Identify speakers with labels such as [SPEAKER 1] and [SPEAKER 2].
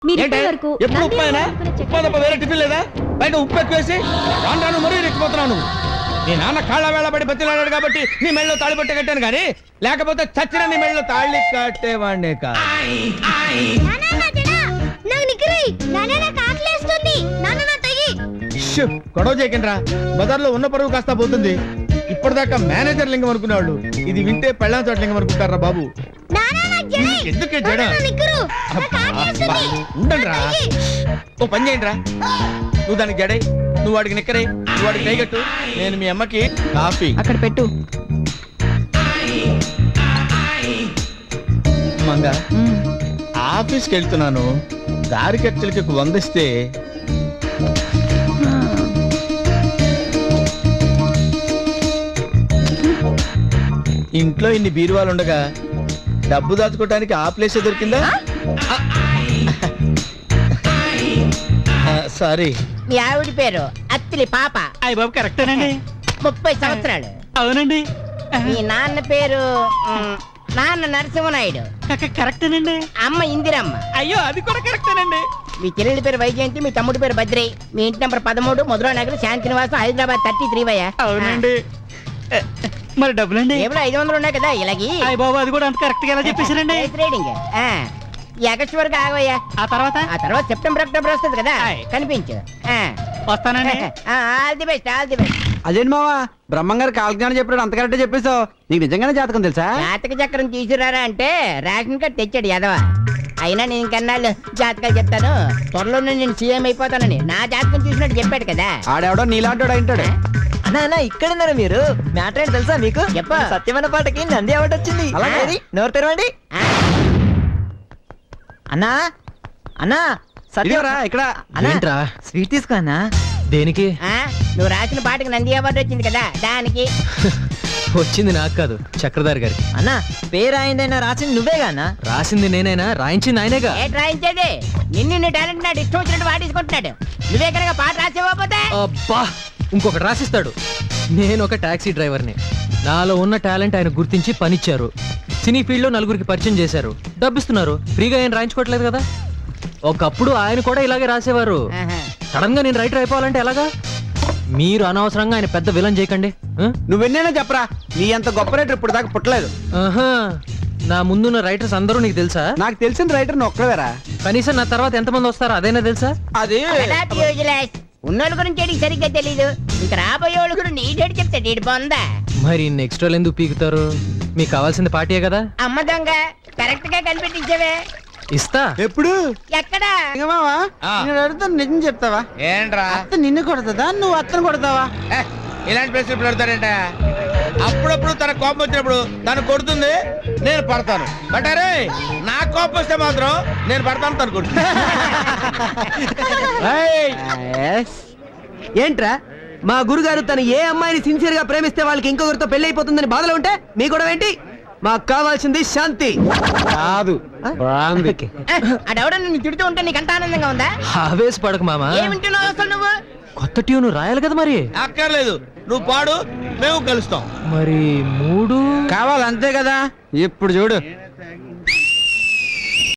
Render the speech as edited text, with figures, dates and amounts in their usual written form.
[SPEAKER 1] ఎప్పుడు ఉప్పైనా ఉప్పు తప్ప వేరే టిఫిన్ లేదా? బయట ఉప్పు ఎక్కువేసి రాను మరీ రెచ్చిపోతున్నావు నువ్వు. నీ నాన్న కాళ్ళ వేళ పడి బతిలాడాడు కాబట్టి నీ మెళ్ళలో తాళి పట్ట కట్టాను కానీ లేకపోతే చచ్చిన నీ మెళ్ళలో తాళి కట్టేవాడినే కాదు. గొడవ చేయకండి, బజార్లో ఉన్న పరువు కాస్త పోతుంది. ఇప్పటిదాకా మేనేజర్ లింగం అనుకునేవాళ్ళు ఇది వింటే పెళ్ళాం చోట లింగం అనుకుంటారా బాబు? ఎందుకే జడ ఉండండి రా. ఓ పని చేయండి రా, నువ్వు దానికి జడై, నువ్వు వాడికి నిక్కరై, నువ్వు వాడికి కైగట్టు. నేను మీ అమ్మకి కాఫీ
[SPEAKER 2] అక్కడ పెట్టు.
[SPEAKER 1] మంగ, ఆఫీస్కి వెళ్తున్నాను, దారి ఖర్చులకి 100 ఇస్తే ఇంట్లో ఇన్ని బీరువాలు ఉండగా డబ్బు దాచుకోవడానికి ఆ ప్లేస్ దొరికిందా? సారీ.
[SPEAKER 3] మీ ఆవిడ పేరు అత్తిలి పాప.
[SPEAKER 4] అయ్య బాబు కరెక్టేనండి.
[SPEAKER 3] 30 సంవత్సరాలు.
[SPEAKER 4] అవునండి.
[SPEAKER 3] మీ నాన్న పేరు నాన్న నరసింహనాయుడు.
[SPEAKER 4] కరెక్టేనండి.
[SPEAKER 3] అమ్మ ఇందిరమ్మ.
[SPEAKER 4] అయ్యో అది కూడా కరెక్టేనండి.
[SPEAKER 3] మీ చెల్లెలి పేరు వైజయంతి, మీ తమ్ముడి పేరు భద్రై, మీ ఇంటి నెంబర్ 13 మధురా నగర్, శాంతినివాసం, హైదరాబాద్ 33.
[SPEAKER 4] అవునండి. మరి డబ్బులండి?
[SPEAKER 3] ఏమో 500 ఉన్నాయి కదా ఇలాగి.
[SPEAKER 4] అయ్య బాబు అది కూడా అంత కరెక్ట్ గా ఎలా చెప్పేశారండి?
[SPEAKER 3] రీడింగ్. ఈ ఆగస్టు వరకు ఆగవయ్యా.
[SPEAKER 4] ఆ తర్వాత
[SPEAKER 3] సెప్టెంబర్ అక్టోబర్ వస్తుంది కదా, కనిపించు.
[SPEAKER 4] వస్తానండి.
[SPEAKER 3] All the best, all the best.
[SPEAKER 2] అదేంటి మావా, బ్రహ్మంగారు కాలజ్ఞానం చెప్పాడు, అంత కరెక్ట్ చెప్పేశావు. నీకు నిజంగానే జాతకం తెలుసా?
[SPEAKER 3] జాతక చక్రం తీసుకురారా అంటే రేషన్ కార్డు తెచ్చాడు యాదవ. అయినా నేను ఇంకన్నాళ్ళు జాతకాలు చెప్తాను, త్వరలోనే నేను సీఎం అయిపోతానని నా జాతకం చూసినట్టు చెప్పాడు కదా.
[SPEAKER 2] ఆడెవడో నీలాంటోడు అయింటాడు.
[SPEAKER 5] అన్నా ఇక్కడున్నారు మీరు. మ్యాటర్ ఏంటి తెలుసా మీకు?
[SPEAKER 3] చెప్పు.
[SPEAKER 5] సత్యమైన పాటకి నంది అవార్డు వచ్చింది.
[SPEAKER 3] అలాగే.
[SPEAKER 5] నోరు తెరవండి. అన్నా అన్నా
[SPEAKER 2] ఇదిగోరా, ఇక్కడ
[SPEAKER 5] అన్నా స్వీట్ తీసుకో అన్నా.
[SPEAKER 6] దేనికి?
[SPEAKER 3] నువ్వు రాసిన పాటకి నంది అవార్డు వచ్చింది కదా, దానికి.
[SPEAKER 6] వచ్చింది నాకు కాదు, చక్రధారి గారికి.
[SPEAKER 5] అన్నా పేరు ఆయనదైనా రాసింది నువ్వేగా అన్నా?
[SPEAKER 6] రాసింది నేనైనా, రాయించింది ఆయనేగా.
[SPEAKER 3] ఏ రాయించేది? నిన్ను టాలెంట్ నాడు ఇష్టం వచ్చినట్టు వాడేసుకుంటున్నాడు. నువ్వే కనుక పాట రాసేవపోతే
[SPEAKER 6] అబ్బా, ఇంకొకటి రాసిస్తాడు. నేను ఒక టాక్సీ డ్రైవర్ని, నాలో ఉన్న టాలెంట్ ఆయన గుర్తించి పనిచ్చారు. సినీ ఫీల్డ్ లో నలుగురికి పరిచయం చేశారు, డబ్బిస్తున్నారు. ఫ్రీగా ఆయన రాయించుకోవట్లేదు కదా. ఒకప్పుడు ఆయన కూడా ఇలాగే రాసేవారు. సడన్ గా నేను రైటర్ అయిపోవాలంటే ఎలాగా? మీరు అనవసరంగా ఆయన పెద్ద విలన్ చేయకండి.
[SPEAKER 2] నువ్వెన్నైనా చెప్పరా, నీ అంత గొప్ప రైటర్ ఇప్పుడు దాకా పుట్టలేదు.
[SPEAKER 6] నా ముందున్న రైటర్స్ అందరూ నీకు తెలుసా?
[SPEAKER 2] నాకు తెలిసిన రైటర్ ఒక్కవేరా.
[SPEAKER 6] కనీసం నా తర్వాత ఎంతమంది వస్తారో అదైనా తెలుసా?
[SPEAKER 2] అది
[SPEAKER 3] ఉన్నోళ్ళ గురించి సరిగ్గా తెలీదు, ఇంకా రాబోయే వాళ్ళ గురించి నీటేడు చెప్తాడు. ఇటు బొందా
[SPEAKER 6] మరి నెక్స్ట్ వాళ్ళు ఎందుకు పీకుతారు? మీకు కావాల్సింది పార్టీయే కదా.
[SPEAKER 3] అమ్మ దొంగ, కరెక్ట్ గా కనిపెట్టించావే.
[SPEAKER 6] ఇస్తా.
[SPEAKER 2] ఎప్పుడు?
[SPEAKER 3] ఎక్కడా?
[SPEAKER 2] మావా, నేను అడుగుతాను, నిజం చెప్తావా?
[SPEAKER 1] ఏంట్రా?
[SPEAKER 2] అత్త నిన్ను కొడతాదా, నువ్వు అత్తను కొడతావా?
[SPEAKER 1] ఇలాంటి ప్రశ్నలు పెడతారంట. అప్పుడప్పుడు తన కోపం వచ్చినప్పుడు తను కొడుతుంది, నేను పడతాను. బట్ అరే నా కోపం వస్తే మాత్రం నేను పడతాను, తను కొడుతుంది.
[SPEAKER 5] ఏంట్రా మా గురుగారు తను ఏ అమ్మాయిని సిన్సియర్ గా ప్రేమిస్తే వాళ్ళకి ఇంకొకరితో పెళ్లి అయిపోతుందని బాధలో ఉంటే మీ కూడా ఏంటి? మాకు కావాల్సింది శాంతి
[SPEAKER 2] కాదు.
[SPEAKER 3] అడవడ నిన్ను తిడుతూ ఉంటే నీకు అంత ఆనందంగా ఉందా?
[SPEAKER 6] ఆవేశపడకు మామా.
[SPEAKER 3] ఏమింటున్నావు అసలు నువ్వు?
[SPEAKER 6] కొత్త ట్యూన్ రాయాలి కదా మరి.
[SPEAKER 1] అక్కర్లేదు, నువ్వు పాడు, మేము కలుస్తాం.
[SPEAKER 6] మరి 3
[SPEAKER 2] కావాలంతే కదా. ఇప్పుడు చూడు.